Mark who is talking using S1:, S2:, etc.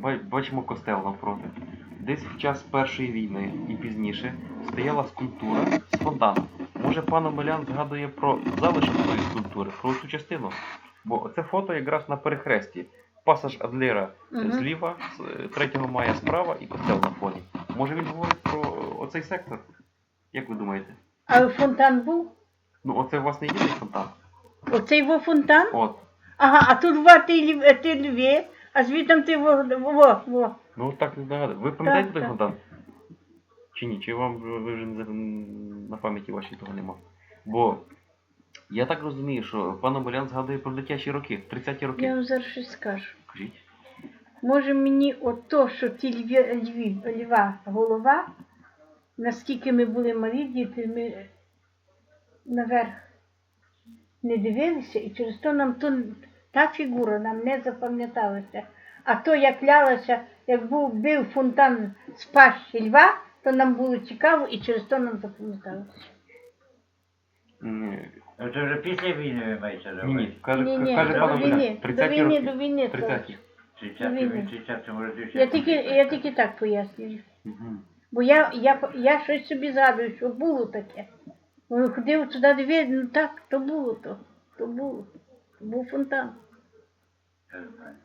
S1: бачимо костел навпроти. Десь в час Першої війни і пізніше стояла скульптура з фонтаном. Може, пан Омелян згадує про залишок цієї скульптури, про цю частину? Бо це фото якраз на перехресті. Пасаж Адлера зліва, 3 мая справа і костел на фоні. Може він говорить про оцей сектор? Як ви думаєте?
S2: А фонтан був?
S1: Ну, оце, власне, єдиний фонтан.
S2: Оцей во фонтан?
S1: От.
S2: Ага, а тут два ти льві, а звідти ти во.
S1: Ну, так не нагадую. Ви пам'ятаєте той
S2: так.
S1: фонтан? Чи ні? Чи вам ви вже на пам'яті вашій того нема? Бо я так розумію, що пан Омелян згадує про дитячі роки, 30-ті роки.
S2: Я вам зараз щось скажу.
S1: Кажіть.
S2: Може мені ото, що ті льва голова, наскільки ми були малі діти, ми наверх не дивилися, і через то нам та фігура нам не запам'яталася. А то, як лялася, як бив фонтан з пащі льва, то нам було цікаво і через то нам запам'яталося.
S3: Ну це вже після війни ви маєте на
S1: Ні, ні.
S3: увазі?
S1: Каже
S2: Ні,
S1: пан
S2: до
S1: Омелян,
S2: війни,
S1: 30-ті роки.
S2: до війни.
S1: 30-ті.
S3: 30-му році.
S2: Я тільки так пояснюю.
S1: Угу.
S2: Бо я щось собі згадую, що було таке. Вони ходив туди дивитися, ну так, то було. То був фонтан.
S3: Так.